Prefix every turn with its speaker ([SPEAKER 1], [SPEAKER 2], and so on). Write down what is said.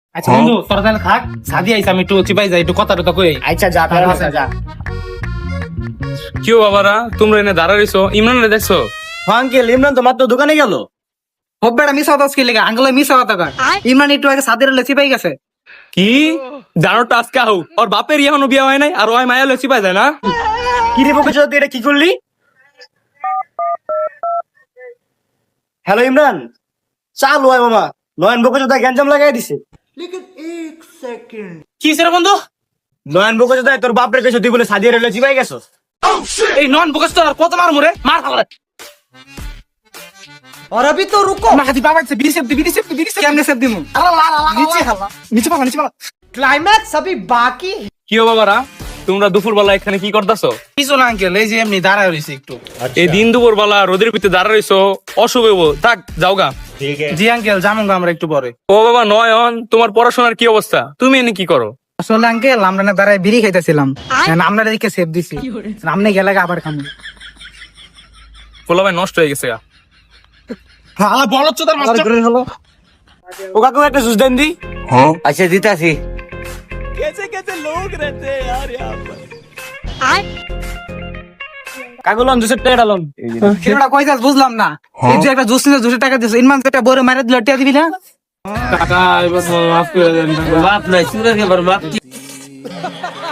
[SPEAKER 1] আচ্ছা বন্ধু তোরা তাহলে থাক, সাদি আইসা আমি একটু চিপাই যাই, একটু কথা টথা কই।
[SPEAKER 2] আচ্ছা যা তাহলে যা।
[SPEAKER 3] কি বাবারা তোমরা এনে দাঁড়াইছো? ইমরান দেখছো?
[SPEAKER 2] আঙ্কেল ইমরান তো মাত্র দোকানে গেল।
[SPEAKER 4] হব্বেটা মিস হতো কি লেগে আঙ্গুলে মিস হতো কর। ইমরান একটু আগে সাদের লেচি পাই গেছে।
[SPEAKER 3] কি জানো আজকে আহু ওর বাপের এখনো বিয়ে হয় নাই আর ওই মায়া লসি পাই যায় না?
[SPEAKER 2] কি রে বকে তুই এটা কি করলি? হ্যালো ইমরান, চালু হয় মামা। নয়ন বকে যোদা গ্যাঞ্জাম লাগাই দিছে।
[SPEAKER 1] কি হইছে রে বন্ধু?
[SPEAKER 2] নয়ন বকে যোদা তোর বাপরে কইছে তুই বলে সাদিয়া রেলে চিপাই গেছস।
[SPEAKER 1] এই নন বকস তো আর কত মার মুরে মার খাবে।
[SPEAKER 4] और अभी तो रुको।
[SPEAKER 1] মাহাদি বাবা সে বিড়ি সেপ
[SPEAKER 4] कैमरे से दिमु।
[SPEAKER 1] নিচে খালা নিচে পালা।
[SPEAKER 4] क्लाइमैक्स अभी बाकी है।
[SPEAKER 3] কি বাবারা তোমরা দুপুর বেলা এখানে কি করতেছো?
[SPEAKER 1] কিছু না আঙ্কেল, এই যে এমনি দাঁড়ায় রইছি একটু।
[SPEAKER 3] এই দিন দুপুর বেলা রোদের ভিতরে দাঁড়া রইছো, অশুভ হইবো। থাক যাওগা।
[SPEAKER 1] জি আঙ্কেল জামুন আমরা একটু পরে।
[SPEAKER 3] ও বাবা নয়ন, তোমার পড়াশোনার কি অবস্থা? তুমি এনে কি করো?
[SPEAKER 4] আসলে আঙ্কেল আমরা না দাঁড়ায় বিড়ি খাইতেছিলাম, আমরা দিকে সেভ দিছি, সামনে গেলে আবার খামু।
[SPEAKER 3] পোলা ভাই নষ্ট হয়ে গেছে গা।
[SPEAKER 1] হালা বলদ চোদার মাস্টার।
[SPEAKER 2] ও কাকু একটা জুস দেন দি।
[SPEAKER 5] अच्छा जीतासी
[SPEAKER 2] কাকু লন জুসের টাকা লন।
[SPEAKER 4] সেটা কই যাস বুঝলাম না। এই যে একটা জুস নিয়ে 200 টাকা দিছ, ইনমান যেটা বড় মারা দিল টিয়া দিবি না।
[SPEAKER 1] কাকা এবার মাফ করে দেন।
[SPEAKER 5] बाप नहीं सूरज के बर्बाद